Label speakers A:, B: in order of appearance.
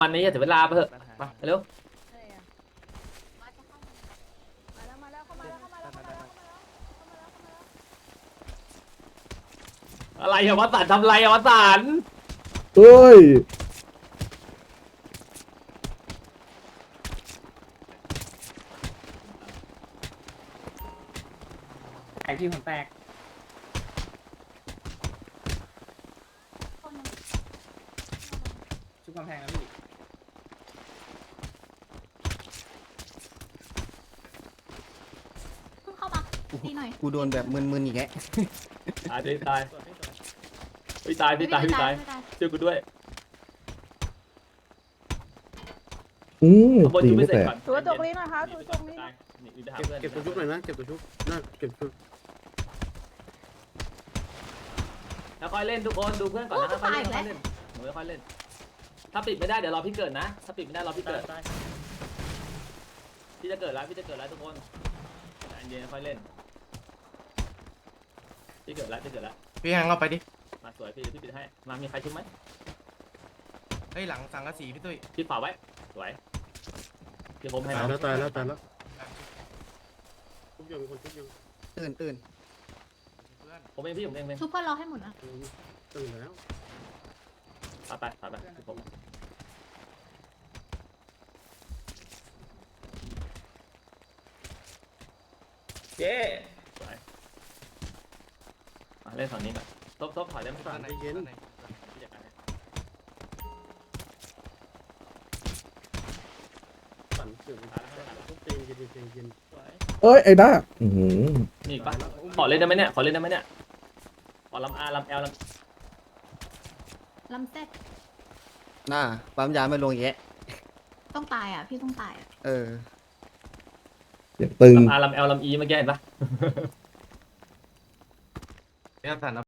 A: วันนี้อย่าเสียเวลาไปเถอะมาเร็วอะไรอะวสันต์ทำไรอะวสันต์
B: เฮ้ย
C: แตกที่ผมแตกชุบกำแพงแล้วพี่
D: เพิ่งเข้ามาดีหน่อย
E: กูโดนแบบมึนๆอีกแล้ว
A: ตายดิตายพี่ตายพี่ตายพี่ตายช่วยกูด้วย
B: ตี
A: ชุบ
B: ไม่
A: เสร็
B: แต
A: จ
B: ก
A: ก่อน
F: ตัวจกลิ้นหน่อยครับตัวจกลิ้น
G: เก็บตัวชุบหน่อยนะเก็บตัวชุบน่าเก็บชุบ
A: แล้วค่อยเล่นทุกคนดูเพื่อนก่อนนะค่อยเล่นค่อยเล่นหนูค่อยเล่นถ้าปิดไม่ได้เดี๋ยวรอพี่เกิดนะถ้าปิดไม่ได้รอพี่เกิดพี่จะเกิดแล้วพี่จะเกิดแล้วทุกคนใจเย็นค่อยเล่นพี่เกิดแล้วพี่เกิดแล้ว
E: พี่แฮงเราไปดิ
A: มาสวยพี่พี่ปิดให้มามีใครชุบไหม
E: เฮ้ยหลังสังกะสีพี่ตุ้ย
A: พี่ฝาไว้สวยพี่ผมให้
G: ตาย
A: น้อง
G: แล้วตายแล้วตายแล้วชุบยังมีคนชุบยัง
E: ตื่น
A: ผมเองพี่ผมเองเลย
D: ซุปเปอร์รอให้หมดนะ
G: ตื่นแล้ว
A: ไปพี่ผมเย้สวยมาเล่นฝั่งนี้ก่อนซบถอยได้ไหมก่อน
E: ไหน
A: พี่จัดการให้
G: ปั่นเสือกชุบเตียงเย็นเตียงเย็น
B: เอ้ย ไอ้ด้าอื้อหือ
A: นี่ปะขอเล่นได้ไหมเนี่ยขอเล่นได้ไหมเนี่ยขอลำอาลำแอลลำ
D: ลำเซ็ต
E: หน้าปั๊มยาไม่ลงอีกแล้ว
D: ต้องตายอ่ะ พี่ต้องตายอ่ะ
E: เออ
B: เสียงตึง
A: ลำอาลำแอลลำอีเมื่อกี้เห็นปะ
E: เนี่ยสัน